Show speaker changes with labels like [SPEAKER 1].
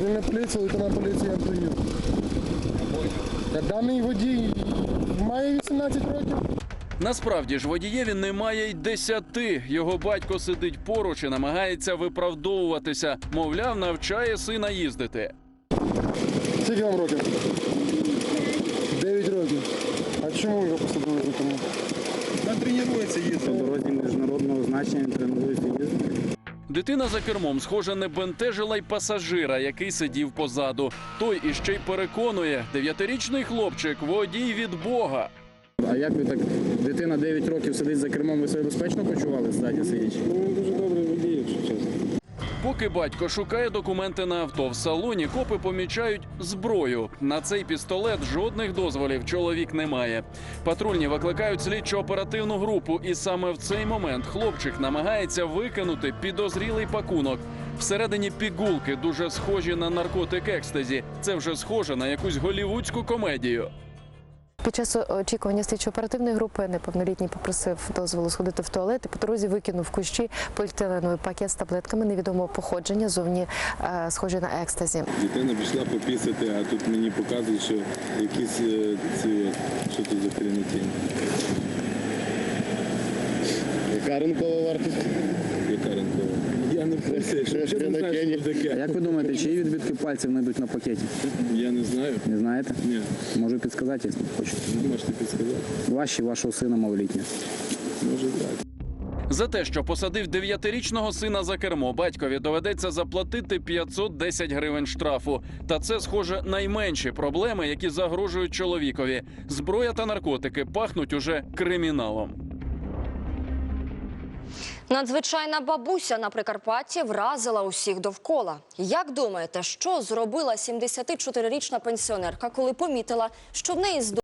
[SPEAKER 1] Патрульна поліція, лейтенант поліції Антонюк. Даний водій має 18 років.
[SPEAKER 2] Насправді ж водієві немає й 10. Його батько сидить поруч і намагається виправдовуватися. Мовляв, навчає сина їздити.
[SPEAKER 1] Скільки вам років? 9 років. А чому його посадили за кермо?
[SPEAKER 3] Він тренується їздити. По дорозі міжнародного значення він тренується їздити.
[SPEAKER 2] Дитина за кермом, схоже, не бентежила й пасажира, який сидів позаду. Той іще й переконує, 9-річний хлопчик – водій від Бога.
[SPEAKER 3] А як ви так, дитина 9 років сидить за кермом, ви себе безпечно почували ззаді сидячи? Ну, він дуже добре водій, якщо чесно.
[SPEAKER 2] Поки батько шукає документи на авто, в салоні копи помічають зброю. На цей пістолет жодних дозволів чоловік не має. Патрульні викликають слідчо-оперативну групу, і саме в цей момент хлопчик намагається викинути підозрілий пакунок. Всередині пігулки, дуже схожі на наркотик екстазі. Це вже схоже на якусь голлівудську комедію.
[SPEAKER 4] Під час очікування слідчо-оперативної групи неповнолітній попросив дозволу сходити в туалет і по дорозі викинув в кущі поліетиленовий пакет з таблетками невідомого походження, зовні схожі на екстазі.
[SPEAKER 5] Дитина пішла попісити, а тут мені показують, що якісь що тут за хренотінь.
[SPEAKER 3] Яка ринкова вартість?
[SPEAKER 5] Яка ринкова? Я не знаю, що не знаю, що таке.
[SPEAKER 3] Як ви думаєте, чиї відбитки пальців знайдуть на пакеті?
[SPEAKER 5] Я не знаю.
[SPEAKER 3] Не знаєте?
[SPEAKER 5] Ні.
[SPEAKER 3] Можу підсказати, якщо хочете.
[SPEAKER 5] Можете підсказати?
[SPEAKER 3] Вашого сина малолітнього.
[SPEAKER 5] Може так.
[SPEAKER 2] За те, що посадив 9-річного сина за кермо, батькові доведеться заплатити 510 гривень штрафу. Та це, схоже, найменші проблеми, які загрожують чоловікові. Зброя та наркотики пахнуть уже криміналом.
[SPEAKER 6] Надзвичайна бабуся на Прикарпатті вразила усіх довкола. Як думаєте, що зробила 74-річна пенсіонерка, коли помітила, що в неї з